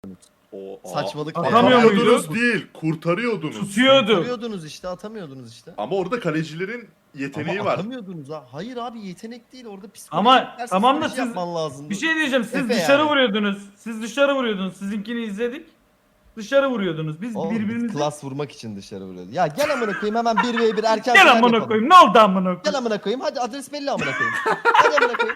Saçmalık. Atamıyordunuz değil, kurtarıyordunuz. Tutuyordu. Atamıyordunuz işte, atamıyordunuz işte. Ama orada kalecilerin yeteneği Ama var. atamıyordunuz ha. Hayır abi, yetenek değil orada, psikolojik Ama ters tamam da psikoloji siz yapman lazım. bir şey diyeceğim. Siz Efe dışarı yani. vuruyordunuz. Siz dışarı vuruyordunuz. Sizinkini izledik. Dışarı vuruyordunuz. Biz Oğlum, biz birbirimizi... klas vurmak için dışarı vuruyordu. Ya gel amına koyayım, hemen 1v1 erken Gel final amına yapalım. koyayım. Ne oldu amına Gel koyayım? amına koyayım, hadi adres belli amına koyayım. Hadi amına koyayım.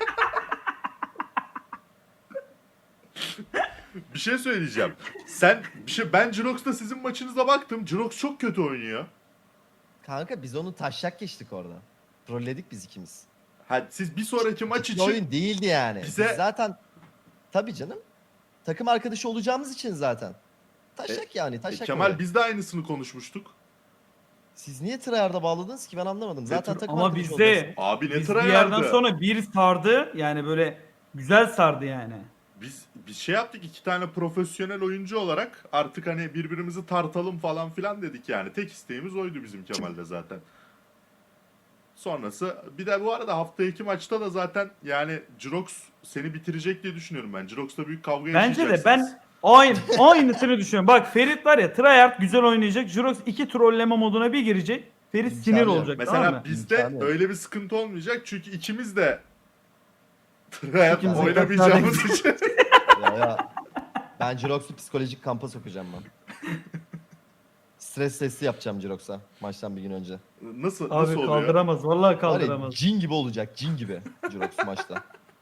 Bir şey söyleyeceğim. Ben Jirox'ta sizin maçınıza baktım. Jirox çok kötü oynuyor. Kanka biz onu taşak geçtik orada. Trolledik biz ikimiz. Ha, siz bir sonraki maç Bir için oyun değildi yani. bize- Biz zaten tabii canım. Takım arkadaşı olacağımız için zaten. Taşak yani, taşak. Kemal öyle. biz de aynısını konuşmuştuk. Siz niye tryhard'a bağladınız ki, ben anlamadım. Zaten tür- takım Ama arkadaşı olacaksınız. bizde Abi ne biz bir yerden tryhard'ı? sonra bir sardı. Yani böyle güzel sardı yani. Biz bir şey yaptık, iki tane profesyonel oyuncu olarak artık hani birbirimizi tartalım falan filan dedik yani. Tek isteğimiz oydu bizim Kemal'de zaten. Sonrası bir de bu arada hafta 2 maçta da zaten yani Jirox seni bitirecek diye düşünüyorum ben. Jirox'ta büyük kavga Bence de yaşayacaksınız. ben aynısını düşünüyorum. Bak Ferit var ya, tryhard güzel oynayacak. Jurox 2 trolleme moduna bir girecek. Ferit İmkanı sinir yok. olacak, Mesela tamam mı? bizde İmkanı yok. öyle bir sıkıntı olmayacak çünkü ikimiz de tryhard İkimiz de oynamayacağımız için. Ya. Ben Jirox'u psikolojik kampa sokacağım ben. Stres testi yapacağım Jirox'a maçtan bir gün önce. Nasıl Abi oluyor? kaldıramaz. Vallahi Var ya, kaldıramaz. cin gibi olacak, cin gibi Jirox maçta.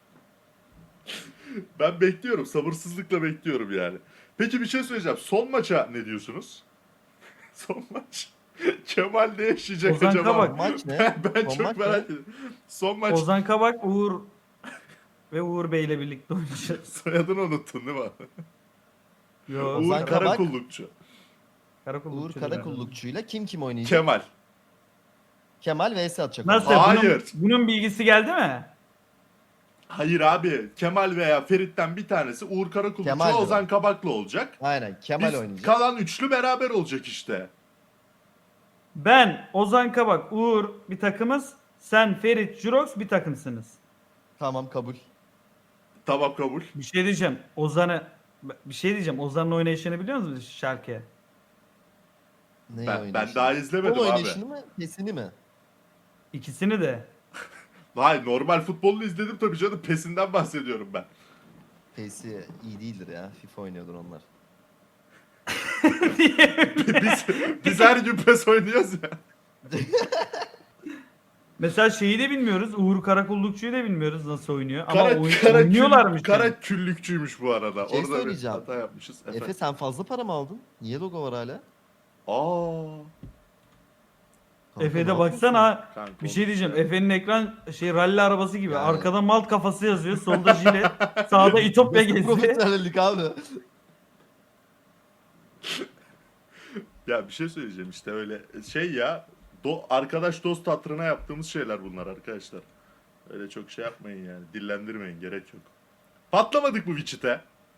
Ben bekliyorum. Sabırsızlıkla bekliyorum yani. Peki bir şey söyleyeceğim. Son maça ne diyorsunuz? Son maç. Kemal ne yaşayacak Ozan acaba? Kabak. Maç ne? Ben Son çok maç merak ne? ediyorum. Son maç. Ozan Kabak, Uğur ve Uğur Bey ile birlikte oynayacağız. Soyadını unuttun değil mi? Yo, Uğur Ozan Kabak. Karakullukçu. Karakullukçu Uğur diyorlar. Karakullukçu'yla kim oynayacak? Kemal. Kemal vs atacak. Nasıl? orada. Hayır. Bunun bilgisi geldi mi? Hayır abi. Kemal veya Ferit'ten bir tanesi Uğur Karakullukçu, Kemal Ozan Kabak'la olacak. Aynen, Kemal Biz oynayacak. kalan üçlü beraber olacak işte. Ben, Ozan Kabak, Uğur bir takımız. Sen, Ferit, Jurox bir takımsınız. Tamam, kabul. Tamam, kabul. Bir şey diyeceğim. Ozan'ın oynayışını biliyor musunuz şarkıya? Neyi Ben oynayışını? daha izlemedim Futbol abi. oynayışını mı? Pesini mi? İkisini de. Hayır, normal futbolunu izledim tabii canım. PES'inden bahsediyorum ben. Pesi iyi değildir ya. FIFA oynuyordur onlar. biz her gün PES oynuyoruz ya. Mesela şeyi de bilmiyoruz. Uğur Karakullukçu'yu da bilmiyoruz nasıl oynuyor. Ama Kara oynuyorlarmış. Kara yani. küllükçüymüş bu arada. Şey Orada bir söyleyeceğim. hata yapmışız. Efe sen fazla para mı aldın? Niye logo var hala? Aa. Kanka, Efe'de ne baksana. Kanka, Bir şey diyeceğim. olmuş ya. Efe'nin ekran ralli arabası gibi. Yani. Arkada malt kafası yazıyor. Solda jilet. Sağda İtopya yapıyorsun? geziyor. Profesyonellik abi. Ya bir şey söyleyeceğim işte öyle şey ya. Arkadaş dost hatırına yaptığımız şeyler bunlar arkadaşlar. Öyle çok şey yapmayın yani. Dillendirmeyin, gerek yok. Patlamadık mı Witchit'e?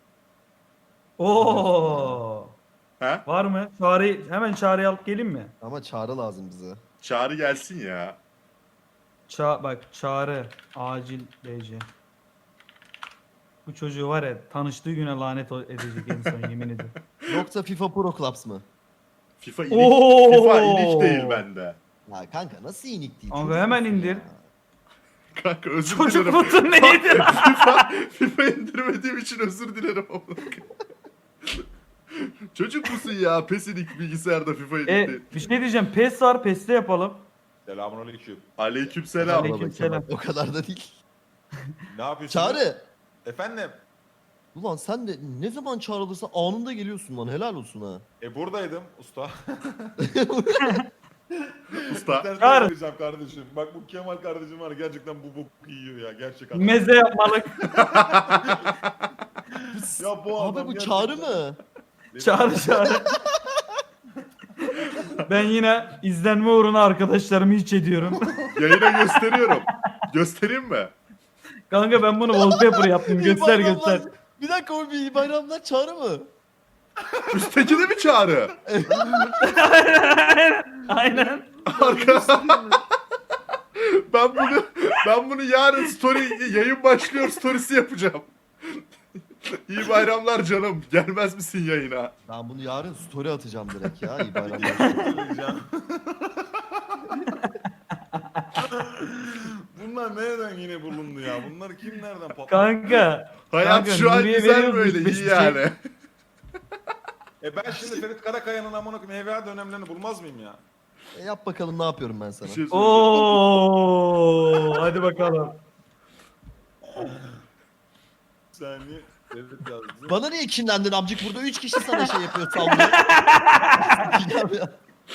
Oo. Ha? Var mı? Hemen çağrıyı alıp gelin mi? Ama çağrı lazım bize. Çağrı gelsin ya. Bak çağrı. Acil DC. Bu çocuğu var ya, tanıştığı güne lanet edecek en son, yemin ediyorum. Yoksa FIFA Pro Clubs mı? FIFA inik, Oo! FIFA inik değil bende. Ya kanka nasıl inik değil? Abi Çocuk hemen musun indir. ya? Kanka özür Çocuk dilerim. musun neydi? FIFA indirmediğim için özür dilerim. Çocuk musun ya? PES inik, bilgisayarda FIFA inik değil. Bir şey diyeceğim. PES var. PES'te yapalım. Selamünaleyküm. Aleykümselam. Aleyküm. Aleykümselam. selam. O kadar da değil. Ne yapıyorsun? Çağrı. Efendim? Ulan sen de ne zaman çağrılırsa anında geliyorsun lan, helal olsun ha. Buradaydım usta. Usta. Ben Çağrı. sana söyleyeceğim kardeşim. Bak bu Kemal kardeşim var, gerçekten bu bok yiyor ya, gerçekten. Meze yapmalık. Ya bu Abi adam bu gerçekten- çağrı mı? Çağrı. Ben yine izlenme uğruna arkadaşlarımı hiç ediyorum. Yayına gösteriyorum. Göstereyim mi? Kanka ben bunu wallpaper yaptım. İyi Göster bayramlar. göster. Bir dakika, o bir iyi bayramlar çağrı mı? Üstteki de mi Çağrı? Aynen. Arka. ben bunu yarın story yayın başlıyor storiesi yapacağım. İyi bayramlar canım. Gelmez misin yayına? Ben bunu yarın story atacağım direkt ya. İyi bayramlar. Söyleyeceğim. Bunlar nereden yine bulundu ya? Bunları kim nereden patlattı? Kanka. Hayat Kanka, şu an Nuriye güzel veriyoruz böyle. biz iyi bir şey. yani. Ben şimdi Ferit Karakaya'nın amına koyayım HVA dönemlerini bulmaz mıyım ya? Yap bakalım ne yapıyorum ben Bir sana. şey söyleyeceğim. Oo, hadi bakalım. Bir saniye. Ferit yazdı. Bana niye kinlendin amcık? Burada 3 kişi sana şey yapıyor sallıyor. Sikeceğim ya.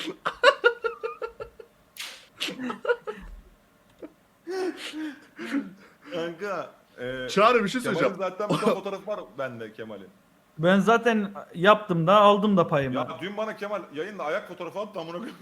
Kanka. Çağrı bir şey Kemal'in söyleyeceğim. zaten bir tane fotoğrafı var bende Kemal'in. Ben zaten yaptım da aldım da payımı. Ya dün bana Kemal yayında ayak fotoğrafı attı amına koyayım.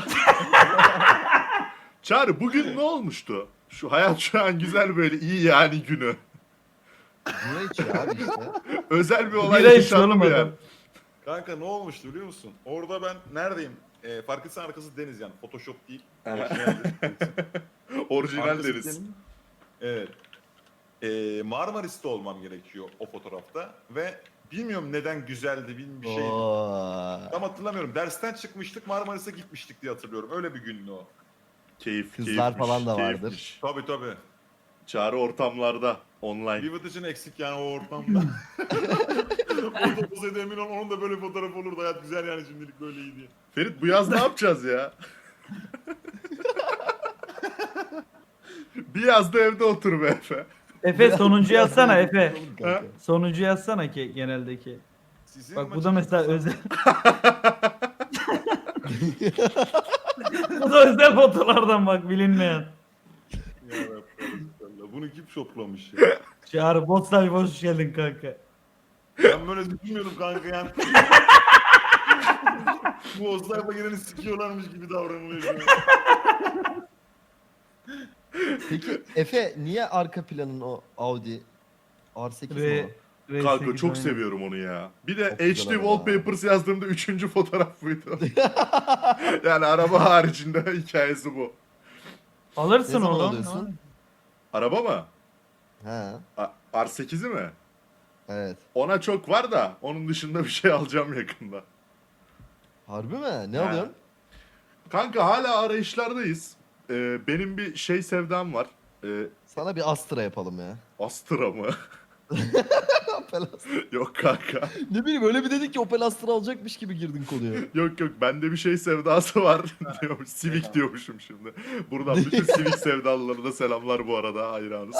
Çağrı bugün ne olmuştu? Şu hayat şu an güzel böyle iyi yani günü. Bira içiyor abi işte. Özel bir olay Bira içiyor yaşandı oğlum mı adam. yani? Kanka ne olmuştu biliyor musun? Orada ben neredeyim? Fark etsen arkası deniz yani. Photoshop değil. Orijinal Arkası deriz. deniz. Evet. Marmaris'te olmam gerekiyor o fotoğrafta ve bilmiyorum neden güzeldi bir şey. Oo. Tam hatırlamıyorum. Dersten çıkmıştık Marmaris'e gitmiştik diye hatırlıyorum. Öyle bir gündü o. Keyif, Kızlar keyifmiş, falan da vardır. keyifmiş. Tabii. Çağrı ortamlarda online. Vivid için eksik yani o ortamda. Orada olsaydı emin ol onun da böyle fotoğraf olurdu. Hayat güzel yani şimdilik böyle iyi diye. Ferit bu yaz ne yapacağız ya? Bir yazda evde otur be Efe. Efe sonuncu yazsana Efe. Kanka. Sonuncu yazsana ki geneldeki. Sizin Bak bu maçınız- da mesela özel. Bu da özel fotolardan bak bilinmeyen. Ya Rabbi, bunu kim şoplamış ya? Çağrı Botsay hoş geldin kanka. Ben böyle düşünmüyorum kanka yani. Bu Ozlay'la geleni sikiyorlarmış gibi davranılıyor şu an. Peki Efe niye arka planın o Audi R8 mi Ve o? Kanka çok seviyorum onu ya. Bir de Çok HD güzel araba Wallpapers yazdığımda 3. fotoğraf buydu. Yani araba haricinde hikayesi bu. Ne Alırsın zaman oğlum. alıyorsun? Araba mı? Ha, R8'i mi? evet. Ona çok var da onun dışında bir şey alacağım yakında. Harbi mi? Ne Ha. alıyorsun? Kanka hala arayışlardayız. Benim bir şey sevdam var. Sana bir Astra yapalım ya. Astra mı? Opel Astra. Yok kanka. Ne bileyim öyle bir dedik ki Opel Astra alacakmış gibi girdin konuya. Yok bende bir şey sevdası var diyormuş. Civic diyormuşum şimdi. Buradan bütün Civic sevdalılarına selamlar bu arada hayranız.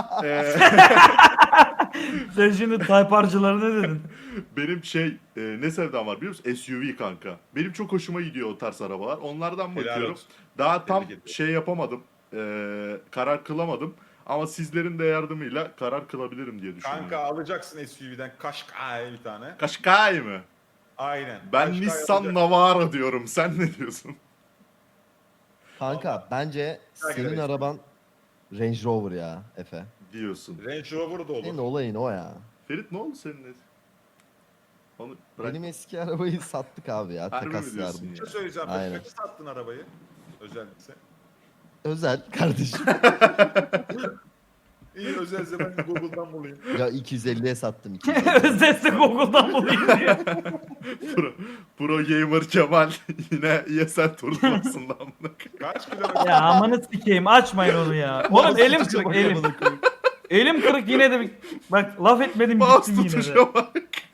Sen şimdi Type-R'cılara ne dedin? Benim ne sevdam var biliyor musun? SUV kanka. Benim çok hoşuma gidiyor o tarz arabalar. Onlardan Helal bakıyorum. olsun. Daha tam Tebrik ederim. şey yapamadım. Karar kılamadım. Ama sizlerin de yardımıyla karar kılabilirim diye düşünüyorum. Kanka alacaksın SUV'den Qashqai bir tane. Qashqai mı? Aynen. Ben Qashqai Nissan alacaksın. Navara diyorum. Sen ne diyorsun? Kanka bence Belki de senin Range araban Range Rover ya Efe. Diyorsun. Range Rover da olur. Senin olayın o ya. Ferit ne oldu senin? Onu bırak. Benim eski arabayı sattık abi ya. Harbi mi Takas diyorsun yardım. ya? Bir şey söyleyeceğim. Aynen. Kaçı sattın arabayı? Özellikle. Özel kardeşim. İyi özelse ben Google'dan bulayım. Ya 250'ye sattım 250. Özdeşse Google'dan bulayım diye. Pro Gamer Kemal yine ESL turnuvasından mı? Kaç kilometre? Ya amanı sikeyim açmayın onu ya. Oğlum elim kırık elim. Elim kırık yine de bak laf etmedim Mouse gittim yine de. tutuşa bak.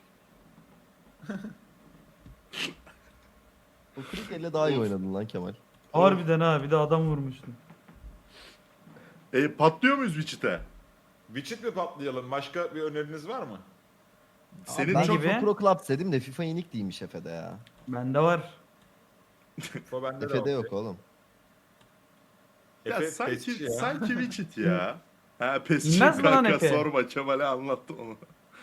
O kırık elle daha iyi oynadın lan Kemal. Harbiden ha bir de adam vurmuştun. Patlıyor muyuz Wichit'e? Witcher mi patlayalım? Başka bir öneriniz var mı? Senin Ben çok- FIFA gibi? Pro Club dedim de FIFA Unique değilmiş Efe'de ya. Bende var. O bende de Efe'de var. yok oğlum. Ya Efe sanki, pesçi ya. sanki Wichit ya. Ha pesçi İnmez mi lan kanka Efe? sorma Kemal'e anlattım onu.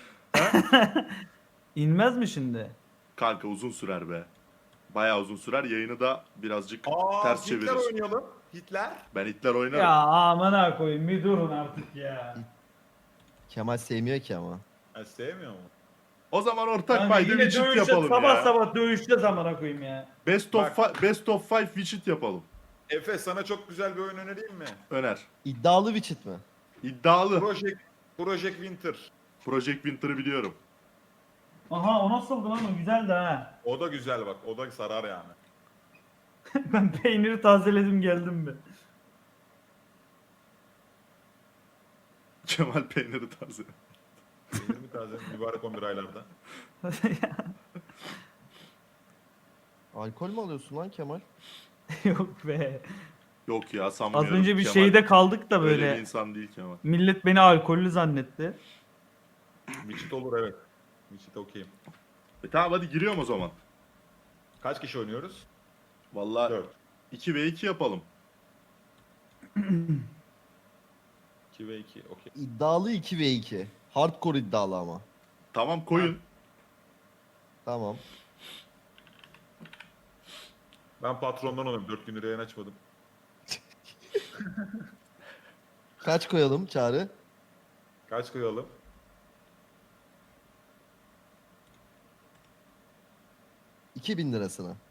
İnmez mi şimdi? Kanka uzun sürer be. Bayağı uzun sürer. Yayını da birazcık ters Hitler çeviririz. oynayalım. Hitler. Ben Hitler oynarım. Ya amına koyayım bir durun artık ya. Kemal sevmiyor ki ama. Ha, sevmiyor mu? O zaman ortak Kanka payda yine Wichit dövüşeceğiz yapalım sabah ya. sabah dövüşeceğiz amına koyayım ya. Best of 5 Wichit yapalım. Efe sana çok güzel bir oyun önereyim mi? Öner. İddialı Witchit mi? İddialı. Project Winter. Project Winter'ı biliyorum. Aha o nasıldı lan, o güzeldi ha. O da güzel bak. O da sarar yani. Ben peyniri tazeledim geldim be. Kemal peyniri taze. Peynir mi taze? Mübarek 11 aylarda. Alkol mü alıyorsun lan Kemal? Yok be. Yok ya Az sanmıyorum. önce bir Kemal şeyde kaldık da öyle bir böyle. insan değil Kemal. Millet beni alkollü zannetti. Wichita olur evet. Wichita okeyim. Tamam hadi giriyorum o zaman. Kaç kişi oynuyoruz? Vallahi 4. 2 ve 2 yapalım. 2 ve 2 okey. İddialı 2 ve 2. Hardcore iddialı ama. Tamam koyun. Tamam. Ben patrondan olayım. 4 gündür yayın açmadım. Kaç koyalım Çağrı? Kaç koyalım? $2000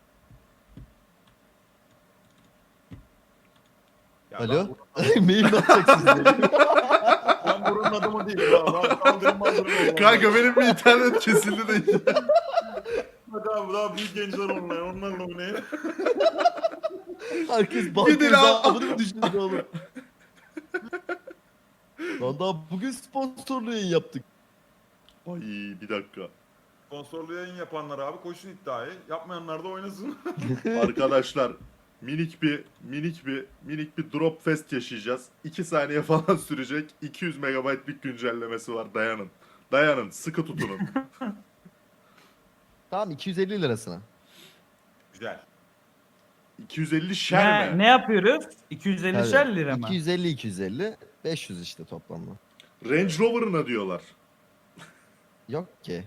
Ya Alo? Mail mi atacaksınız? Ben buranın adamı değilim. Ben kaldırım maldırım. Kanka benim bir internet kesildi de. Bak abi daha büyük gençler online. Onlarla oynayın. Herkes banka Gidin al. hesabını mı düşündü oğlum? Lan daha bugün sponsorlu yayın yaptık. Ay bir dakika. Sponsorlu yayın yapanlar abi koşsun iddiayı. Yapmayanlar da oynasın. Arkadaşlar minik bir drop fest yaşayacağız. 2 saniye falan sürecek. 200 megabaytlık güncellemesi var. Dayanın. Dayanın. Sıkı tutunun. Tamam $250. Güzel. 250 şer mi? Ne yapıyoruz? 250 Evet. lira mı? 250 500 işte toplamda. Range Rover'ına diyorlar. Yok ki.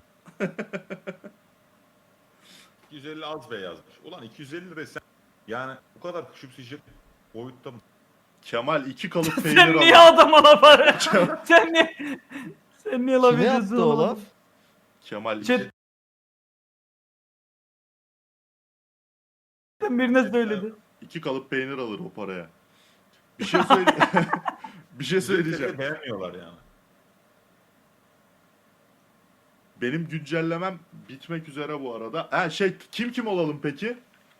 250 az be yazmış. Ulan 250 lira sen yani bu kadar küçümseyecek boyutta mı? Kemal 2 kalıp Sen peynir niye alır. adama laf arıyorsun? Sen niye laf Kime ediyorsun yaptı o oğlum? laf? Kemal Chat- 2. Sen birine söyledi. 2 kalıp peynir alır o paraya. Bir şey söyle. Bir şey söyleyeceğim. Beğenmiyorlar yani. Benim güncellemem bitmek üzere bu arada. Ha kim olalım peki?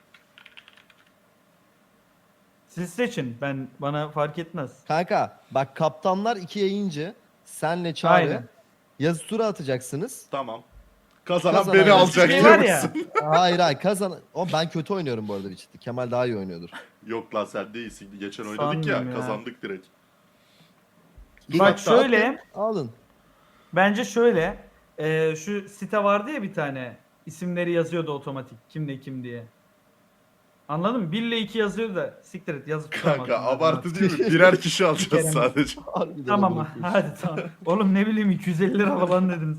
Siz seçin. Bana fark etmez. Kanka bak kaptanlar 2 yayıncı. Senle Çağrı. Aynen. Yazı tura atacaksınız. Tamam. Kazanan Kazanan beni bir alacak şey diyor var ya. musun? Hayır kazan. O ben kötü oynuyorum bu arada bir ciddi. Kemal daha iyi oynuyordur. Yok lan sen değilsin. Geçen oynadık ya, Sanmıyorum ya. kazandık direkt. Bak Hatta şöyle. atın, alın. Bence şöyle. Şu site vardı ya bir tane. İsimleri yazıyordu otomatik. Kim ne kim diye. Anladın mı? 1 ile 2 yazıyordu da siktir et yazıp Kanka tutamadım. abartı değil mi? Birer kişi kere alacağız mi? sadece. Harbiden Tamam amına koyayım. hadi tamam. Oğlum ne bileyim 250 lira falan dediniz.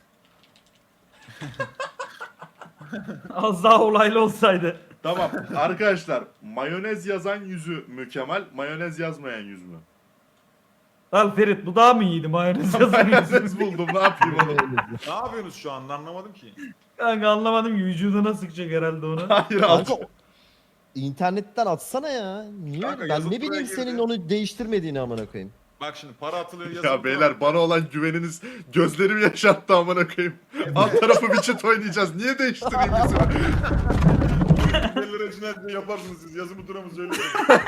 Az daha olaylı olsaydı. Tamam arkadaşlar, mayonez yazan yüzü mü Kemal, mayonez yazmayan yüz mü? Al Ferit bu daha mı iyiydi mayonez yazamıyorsun. Mayonez buldum, ne yapayım oğlum? Ne yapıyorsunuz şu anda anlamadım ki. Kanka anlamadım ki vücuduna sıkacak herhalde onu. Hayır al. Kanka internetten atsana ya. Niye? Kanka, Ben yazı ne turaya bileyim girdi. senin onu değiştirmediğini amına koyayım. Bak şimdi para atılıyor yazılı. Ya beyler bana olan güveniniz gözlerimi yaşarttı amına koyayım. Alt tarafı bir çit oynayacağız. Niye değiştireyim yüzümü? 50 lira için her şeyi yaparsınız siz. Yazımı duramı söyleyin.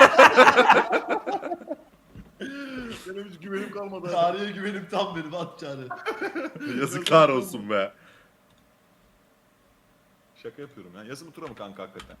Benim hiç güvenim kalmadı. Tarihe güvenim tam benim at Çağrı. Yazıklar olsun be. Şaka yapıyorum ya. Yazımı tura mı kanka hakikaten?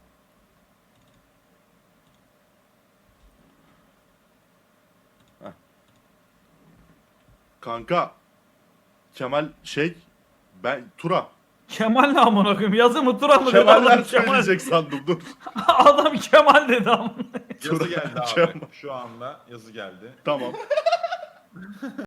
Kanka Kemal ben Tura. Kemal ne amına koyayım? Yazı mı Turan mı? Kemaller Adam Kemal. söyleyecek sandım dur. Adam Kemal dedi amına. Yazı geldi abi. Kemal. Şu anda yazı geldi. Tamam.